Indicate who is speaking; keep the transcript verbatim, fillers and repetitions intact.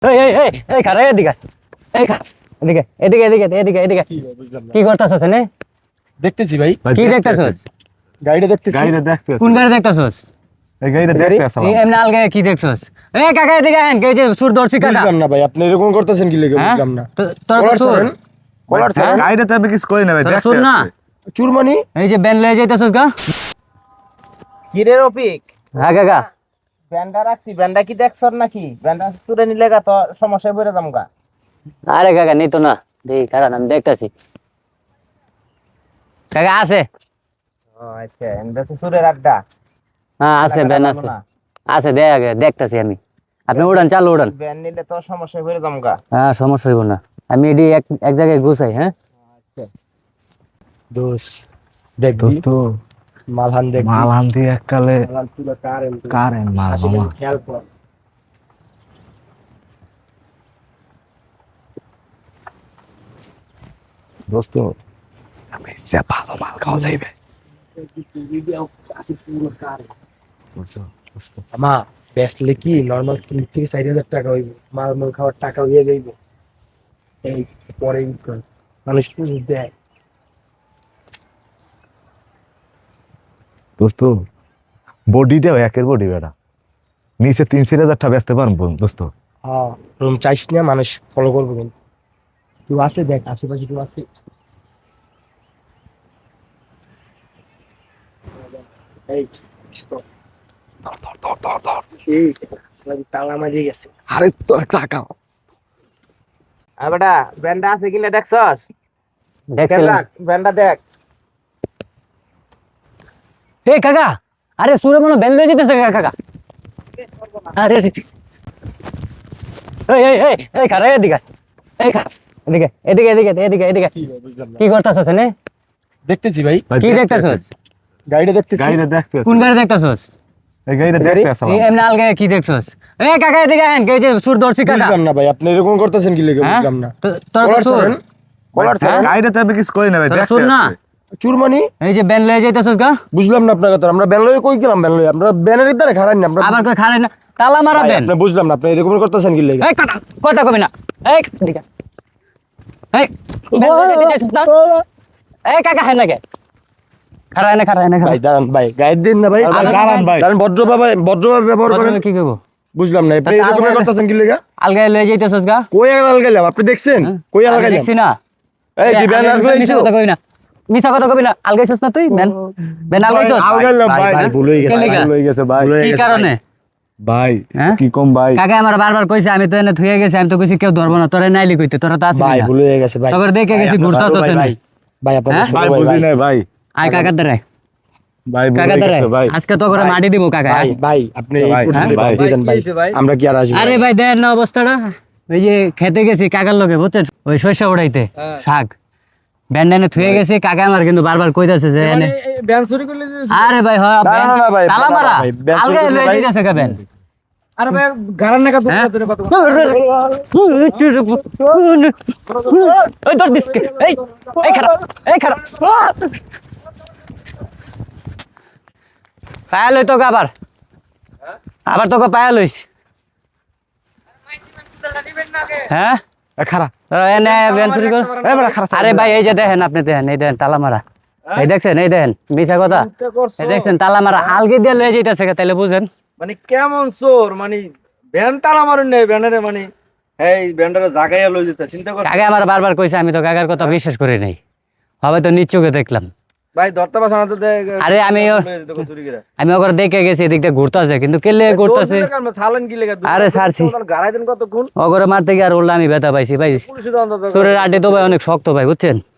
Speaker 1: এই এই এই এই খারে এদিকে এই খা এদিকে এদিকে এদিকে এদিকে এদিকে কি করতেছস এনে
Speaker 2: দেখতেছি ভাই
Speaker 1: কি দেখতেছস
Speaker 2: গাড়িটা দেখতেছি
Speaker 3: গাড়িটা দেখতেছি
Speaker 1: কোন গাড়ি দেখতেছস
Speaker 3: এই গাড়িটা দেখতেছি
Speaker 1: এই এমনি আলগে কি দেখছস এই কাকা এদিকে আহেন কে যে সুর দর্শি কাকা
Speaker 2: বুঝলাম না ভাই আপনি এরকম করতেছেন কি লেগে
Speaker 1: হ্যাঁ?
Speaker 2: বুঝলাম না
Speaker 1: তো- তোর
Speaker 2: কলার
Speaker 1: তো সুর
Speaker 2: ছাড়েন, কলার ছাড়েন।
Speaker 3: গাড়িটা তো আমি কিছু করি না ভাই
Speaker 1: তোর
Speaker 3: দেখতে
Speaker 1: সুর না
Speaker 2: চুরমানি
Speaker 1: এই যে ব্যান লয়ে যাইতেছস গা
Speaker 4: কিরে রফিক
Speaker 1: হ্যাঁ কাকা
Speaker 4: ব্যান্ডা রাখছি ব্যান্ডা কি দেখছর নাকি ব্যান্ডা তুলে নিলে গা তো সমস্যায় পড়ে যাম গা
Speaker 1: আরে কাকা নিতো না দেখি কারণ আমি দেখতাছি কাকা আছে
Speaker 4: ও আচ্ছা এন্ডা তো সুরের আড্ডা
Speaker 1: হ্যাঁ আছে ব্যান আছে আছে দেখ আগে দেখতাছি আমি আপনি উড়ান চালু উড়ান
Speaker 4: ব্যান নিলে তো সমস্যায় পড়ে যাম গা
Speaker 1: হ্যাঁ সমস্যা হইব না আমি এডি এক এক জায়গায় গুছাই হ্যাঁ
Speaker 2: দোষ দেখ
Speaker 3: দোস্ত
Speaker 2: মালহান দেখ
Speaker 3: মাল আনতে এককালে
Speaker 2: মালহান পুরো কারেন
Speaker 3: কারেন মাল মামা
Speaker 2: খেয়াল কর
Speaker 3: দোস্ত আমি সে ভালো মাল খাওয়া যাইবে বুঝছো দোস্ত
Speaker 2: আমা বেসলে কি নরমাল তিন থেকে চার হাজার টাকা হইব মাল মাল খাওয়ার টাকা হইয়া যাইব এই পরে মানুষ পুরো দেয়
Speaker 3: দোস্ত বডিটাও একের বডি বেটা নিচে তিন চার হাজার টাকা বেচতে পারবো দোস্ত
Speaker 2: হ্যাঁ রুম চাইস না মানুষ ফলো করবো কিন্তু তুই আছে দেখ আশেপাশে তুই আছে এই stop.
Speaker 3: ধর ধর ধর ধর ধর
Speaker 2: এই সবাই তালা মারিয়ে গেছে
Speaker 3: আরে তো টাকা
Speaker 4: আর বেটা ব্যান্ডা আছে কিনা দেখছস খেয়াল
Speaker 1: দেখছিলাম
Speaker 4: রাখ ব্যান্ডা দেখ
Speaker 1: এই কাকা আরে সুরে মনে ব্যান লয়ে যেতেছে কাকা কাকা আরে রে। এই এই এই এই খারে এদিকে এই খা এদিকে এদিকে এদিকে এদিকে এদিকে কি করতেছস এনে
Speaker 2: দেখতেছি ভাই
Speaker 1: কি দেখতেছস
Speaker 2: গাড়িটা দেখতেছি
Speaker 3: গাড়িটা দেখতেছি
Speaker 1: কোন গাড়ি দেখতেছস
Speaker 3: এই গাড়িটা দেখতেছি
Speaker 1: এই এমনি আলগে কি দেখছস এই কাকা এদিকে আহেন কে যে সুর দর্শি কাকা
Speaker 2: বুঝলাম না ভাই আপনি এরকম করতেছেন কি লেগে
Speaker 1: হ্যাঁ?
Speaker 2: বুঝলাম না
Speaker 1: তো- তোর তো
Speaker 2: কলার
Speaker 1: সুর
Speaker 2: ছাড়েন, কলার ছাড়েন।
Speaker 3: গাড়িটা তো আমি কিছু করি না ভাই
Speaker 1: তোর
Speaker 3: দেখতে
Speaker 1: সুর না
Speaker 2: চুরমানি
Speaker 1: এই যে ব্যান লয়ে যাইতেছস গা
Speaker 2: বুঝলাম না আপনার কথা আমরা ব্যানলয়ে কই গেলাম ব্যানলয়ে আমরা ব্যানের দ্বারা খারাপ না আমরা
Speaker 1: আবার কই খারে না তালা মারা
Speaker 2: ভাই,
Speaker 1: ব্যান
Speaker 2: আপনি বুঝলাম না আপনি এরকম করতেছেন কি লেগে
Speaker 1: এই কথা কথা কবি না এই এদিকে এই ব্যান লয়ে যাইতেছস না এই কাকা হেন লাগে খারা এনে খারা এনে খারা
Speaker 2: ভাই দাঁড়ান ভাই গাইড দিন না ভাই
Speaker 1: আরে
Speaker 3: দাঁড়ান ভাই
Speaker 2: দাঁড়ান ভদ্রভাবে ভদ্রভাবে ব্যবহার করেন
Speaker 1: কি কইবো
Speaker 2: বুঝলাম না আপনি এরকম করতেছেন কি লেগে
Speaker 1: আলগায় লয়ে যাইতেছস গা
Speaker 2: কই আলাল গেলাম আপনি দেখছেন কই আলাল
Speaker 1: আমি
Speaker 2: গেলাম
Speaker 1: দেখছি না
Speaker 2: এই কি ব্যান আলাল
Speaker 1: মিছা কথা কবি না মিছা কথা কবি না আলগাইছস না তুই ব্যান ব্যান আলগাইছস
Speaker 3: আলগাইলাম ভাই
Speaker 2: ভাই ভুল হয়ে গেছে
Speaker 1: কেন
Speaker 2: ভাই,
Speaker 1: লেগা?
Speaker 3: ভুল হয়ে গেছে ভাই
Speaker 2: ভুল হয়ে
Speaker 1: কি
Speaker 2: গেছে
Speaker 1: কারণে
Speaker 3: ভাই
Speaker 1: হ্যাঁ?
Speaker 3: কি কম ভাই
Speaker 1: কাকা আমার বারবার কইছে আমি তো এনে থুয়ে গেছি আমি তো কইছি কেউ ধরবো না তোরে নাইলি কইতে তোরা তো আসিস
Speaker 2: ভাই
Speaker 1: না
Speaker 2: ভুল হয়ে গেছে ভাই
Speaker 1: তখন দেখে
Speaker 2: ভাই,
Speaker 1: গেছি
Speaker 2: আপনার
Speaker 1: ঘুরতাছ
Speaker 2: ছোট ভাই,
Speaker 1: ওখানে।
Speaker 2: ভাই ভাই আপনার
Speaker 1: হ্যাঁ?
Speaker 2: ছোট
Speaker 3: ভাই
Speaker 2: ভাই,
Speaker 3: বুঝি
Speaker 2: ভাই।
Speaker 3: নাই ভাই
Speaker 1: আয় কাকার দ্বারাই
Speaker 3: ভাই ভুল
Speaker 1: কাকা
Speaker 3: হয়ে
Speaker 1: দ্বারাই
Speaker 3: গেছে ভাই
Speaker 1: আজকে তো করে মাটি দিব কাকা
Speaker 2: ভাই ভাই আপনি এই
Speaker 3: ভাই,
Speaker 2: পর্যন্ত
Speaker 3: ভাই,
Speaker 2: বাদ দিয়ে দেন ভাই আমরা কি আর আসবো
Speaker 1: আরে ভাই দেন না অবস্থাটা ওই যে খেতে গেছি কাকার লগে বুঝছেন ওই শস্য উড়াইতে শাক ব্যান্ডানে থুয়ে গেছি কাকা আমার কিন্তু বারবার কইতাছে যে এনে
Speaker 4: ব্যান চুরি করলে
Speaker 1: আরে ভাই হ
Speaker 2: না, না, না, ভাই,
Speaker 1: তালা
Speaker 2: না, না,
Speaker 1: মারা
Speaker 2: ভাই, ব্যান চুরি
Speaker 1: আলগায়
Speaker 2: করলে
Speaker 1: লয়ে
Speaker 2: ভাই-
Speaker 1: যাইতেছে কা ব্যান
Speaker 4: আরে ভাই গারার নাকা
Speaker 1: হ্যাঁ?
Speaker 4: ধরে কত
Speaker 1: ওই দর দিসকে এই এই খারাপ এই খারাপ পায়া লই তোকে আবার আবার তোকে পায়া লই হ্যাঁ
Speaker 3: এ খারা
Speaker 1: তোরা এনে ব্যান চুরি কর
Speaker 3: এ বড় খারা
Speaker 1: আরে ভাই এই যে দেখেন আপনি দেখেন এই দেখেন তালা মারা এই দেখছেন এই দেখেন মিছা কথা এই দেখছেন তালা মারা আলগে দিয়ে লয়ে যাইতেছে তাইলে বুঝেন
Speaker 4: মানে কেমন চোর মানে ব্যান তালা মারুন নেই ব্যানারে মানে এই ব্যান্ডারে জাগাইয়া লই যেতে চিন্তা কর
Speaker 1: কাকা আমার বারবার কইছে আমি তো কাকার কথা বিশ্বাস করি নাই হবে তো নিজ চোখে দেখলাম
Speaker 4: ভাই ধরতে পারছ না তো দেখ
Speaker 1: আরে আমি ও-
Speaker 4: চুরি করে
Speaker 1: আমি ওকে দেখে গেছি এদিক দিয়ে ঘুরতেছে কিন্তু কেলে ঘুরতেছে
Speaker 4: ছালেন কি লেগে
Speaker 1: আরে ছাড়ছি।
Speaker 4: গাড়াই দেন কতক্ষণ
Speaker 1: ওগরে মারতে গিয়ে আর উল্লা আমি ব্যথা পাইছি ভাই
Speaker 4: পুলিশে তো অন্তত
Speaker 1: শরীরের আড্ডে তো ভাই অনেক শক্ত ভাই বুঝছেন